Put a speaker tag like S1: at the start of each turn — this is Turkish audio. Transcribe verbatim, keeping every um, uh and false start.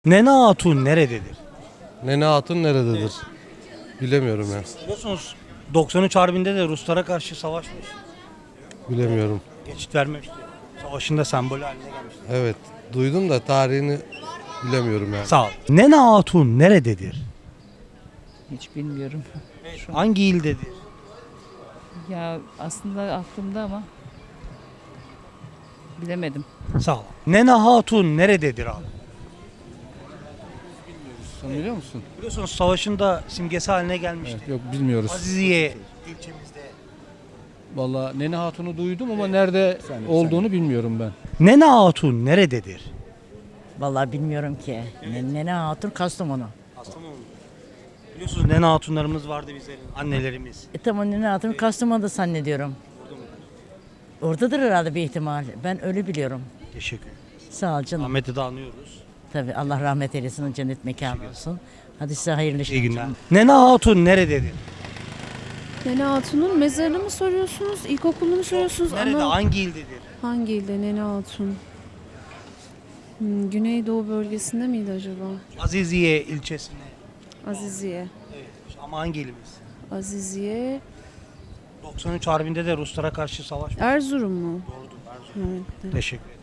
S1: Nene Hatun nerededir?
S2: Nene Hatun nerededir? Bilemiyorum ya.
S1: Biliyorsunuz doksan üç Harbi'nde de Ruslara karşı savaşmış.
S2: Bilemiyorum.
S1: Geçit vermemişti. Savaşında sembolü haline gelmişti.
S2: Evet. Duydum da tarihini bilemiyorum yani.
S1: Sağ ol. Nene Hatun nerededir?
S3: Hiç bilmiyorum.
S1: Hangi ildedir?
S3: Ya aslında aklımda ama bilemedim.
S1: Sağ ol. Nene Hatun nerededir abi?
S4: Sen biliyor musun?
S1: Biliyorsunuz savaşında simgesi haline gelmişti.
S4: Evet, yok bilmiyoruz.
S1: Aziziye ilçemizde.
S4: Vallahi Nene Hatun'u duydum ama nerede olduğunu bilmiyorum ben.
S1: Nene Hatun nerededir?
S5: Vallahi bilmiyorum ki. Ne Nene Hatun Kastamonu.
S1: Kastamonu. Biliyorsunuz Nene Hatunlarımız vardı bizlerin, annelerimiz.
S5: E tamam Nene Hatun Kastamonu'da zannediyorum. Oradadır herhalde bir ihtimal. Ben öyle biliyorum.
S1: Teşekkür ederim.
S5: Sağ ol canım.
S1: Ahmet'i de anıyoruz.
S5: Tabii Allah rahmet eylesin, cennet mekanı olsun. Hadi size hayırlı işler.
S1: İyi günler. Nene Hatun nerededir?
S6: Nene Hatun'un mezarını mı soruyorsunuz, ilkokulunu mu soruyorsunuz?
S1: Nerede?
S6: Ana-
S1: Hangi ildedir?
S6: Hangi ilde Nene Hatun? Hmm, Güneydoğu bölgesinde miydi acaba?
S1: Aziziye ilçesinde.
S6: Aziziye.
S1: Evet. Ama hangi ilimiz?
S6: Aziziye.
S1: doksan üç Harbi'nde de Ruslara karşı savaş.
S6: Erzurum mu?
S1: Doğrudur. Erzurum.
S6: Evet.
S1: Teşekkür ederim.